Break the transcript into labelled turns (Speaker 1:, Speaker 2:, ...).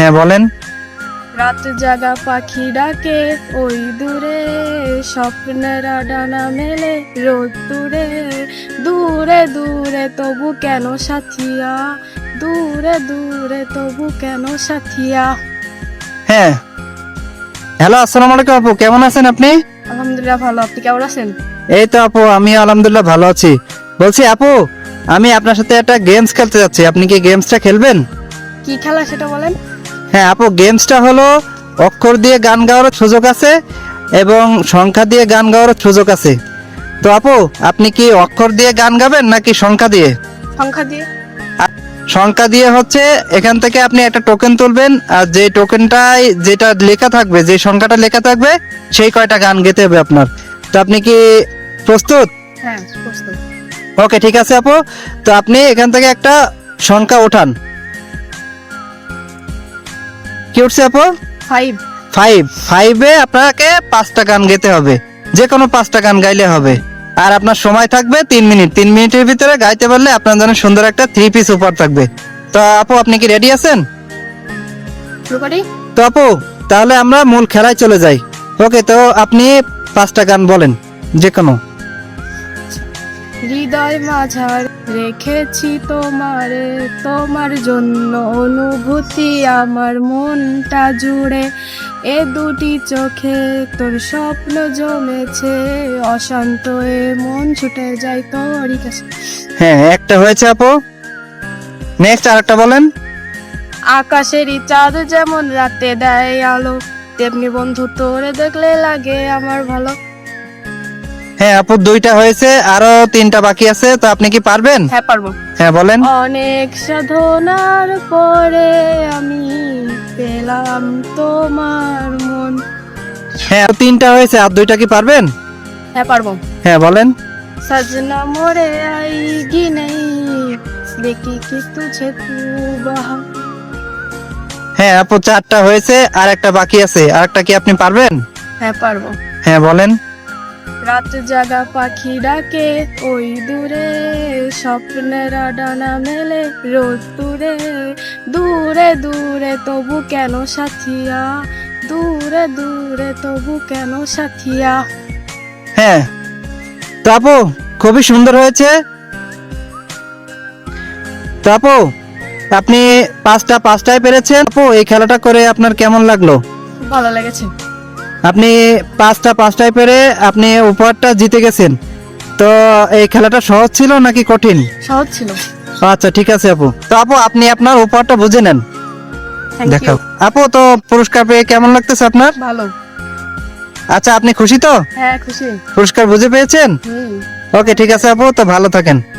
Speaker 1: হ্যাঁ বলেন।
Speaker 2: রাত জাগা পাখি ডাকে ওই দূরে, স্বপ্নের ডানা মেলে রোদ দূরে, দূরে দূরে তবু কেন সাথিয়া, দূরে দূরে তবু কেন সাথিয়া।
Speaker 1: হ্যাঁ, হ্যালো, আসসালামু আলাইকুম আপু, কেমন আছেন আপনি?
Speaker 2: আলহামদুলিল্লাহ ভালো, আপনি কেমন আছেন?
Speaker 1: এই তো আপু, আমি আলহামদুলিল্লাহ ভালো আছি। বলছি আপু, আমি আপনার সাথে একটা গেমস খেলতে যাচ্ছি, আপনি কি গেমসটা খেলবেন?
Speaker 2: কি খেলা সেটা বলেন।
Speaker 1: হ্যাঁ আপু, গেমসটা হলো অক্ষর দিয়ে গান গাওয়ার সুযোগ আছে এবং সংখ্যা দিয়ে গান গাওয়ার সুযোগ আছে। তো আপু, আপনি কি অক্ষর দিয়ে গান গাবেন নাকি সংখ্যা দিয়ে?
Speaker 2: সংখ্যা দিয়ে।
Speaker 1: সংখ্যা দিয়ে হচ্ছে এখান থেকে আপনি একটা টোকেন তুলবেন, আর যে টোকেনটায় যেটা লেখা থাকবে, যে সংখ্যাটা লেখা থাকবে, সেই কয়টা গান গেতে হবে আপনার। তো আপনি কি প্রস্তুত?
Speaker 2: হ্যাঁ প্রস্তুত।
Speaker 1: ওকে, ঠিক আছে আপু। তো আপনি এখান থেকে একটা সংখ্যা ওঠান। কি উঠছে আপু?
Speaker 2: 5।
Speaker 1: 5। 5-এ আপনাকে 5টা গান গেতে হবে, যে কোনো 5টা গান গাইলে হবে। আর আপনার সময় থাকবে 3 মিনিট। 3 মিনিটের ভিতরে গাইতে পারলে আপনার জন্য সুন্দর একটা 3 পিস উপহার থাকবে। তো আপু, আপনি কি রেডি আছেন?
Speaker 2: শুরু করি।
Speaker 1: তো আপু, তাহলে আমরা মূল খেলায় চলে যাই। ওকে, তো আপনি 5টা গান বলেন, যে কোনো।
Speaker 2: হৃদয় মাঝার রেখেছি তোমারে, তোমার জন্য অনুভূতি আমার মনটা জুড়ে, এ দুটি চোখে তোর স্বপ্ন জমেছে, অশান্ত এ মন ছুটে যায় তোরই কাছে।
Speaker 1: হ্যাঁ, একটা হয়েছে আপু। নেক্সট আরেকটা বলেন।
Speaker 2: আকাশেরই চাঁদ যেমন রাতে দেয় আলো, তেমনি বন্ধু তোরে দেখলে লাগে আমার ভালো।
Speaker 1: হ্যাঁ আপু, 2টা হয়েছে, আরো 3টা বাকি আছে। তো আপনি কি পারবেন?
Speaker 2: হ্যাঁ পারবো।
Speaker 1: হ্যাঁ বলেন।
Speaker 2: অনেক সাধনার পরে আমি পেলাম তোমার মন।
Speaker 1: হ্যাঁ, 3টা হয়েছে, আর 2টা কি পারবেন?
Speaker 2: হ্যাঁ পারবো।
Speaker 1: হ্যাঁ বলেন।
Speaker 2: सजना मोरे आएगी नहीं, देखी कि तुझे तू बहा।
Speaker 1: হ্যাঁ আপু, 4টা হয়েছে, আর একটা বাকি আছে। আর একটা কি আপনি পারবেন?
Speaker 2: হ্যাঁ পারবো।
Speaker 1: হ্যাঁ বলেন।
Speaker 2: রাত জাগা পাখি ডাকে ওই দূরে, স্বপ্নের ডানা মেলে রোদ দূরে, দূরে দূরে তবু কেন সাথিয়া, দূরে দূরে তবু কেন সাথিয়া।
Speaker 1: হ্যাঁ, তো আপু খুবই সুন্দর হয়েছে। তো আপু, আপনি 5টায় পেরেছেন। আপু, এই খেলাটা করে আপনার কেমন লাগলো?
Speaker 2: খুব ভালো লেগেছে।
Speaker 1: আপনি 5টায় পেরে আপনি উপহারটা জিতে গেছেন। তো এই খেলাটা সহজ ছিল নাকি কঠিন?
Speaker 2: সহজ ছিল।
Speaker 1: আচ্ছা, ঠিক আছে আপু। তো আপু, আপনি আপনার উপহারটা বুঝে নেন।
Speaker 2: থ্যাংক
Speaker 1: দেখাও
Speaker 2: ইউ।
Speaker 1: আপু, তো পুরস্কার পেয়ে কেমন লাগতেছে আপনার?
Speaker 2: ভালো।
Speaker 1: আচ্ছা, আপনি খুশি তো?
Speaker 2: হ্যাঁ খুশি।
Speaker 1: পুরস্কার বুঝে পেয়েছেন?
Speaker 2: হুম।
Speaker 1: ওকে, ঠিক আছে আপু, তো ভালো থাকেন।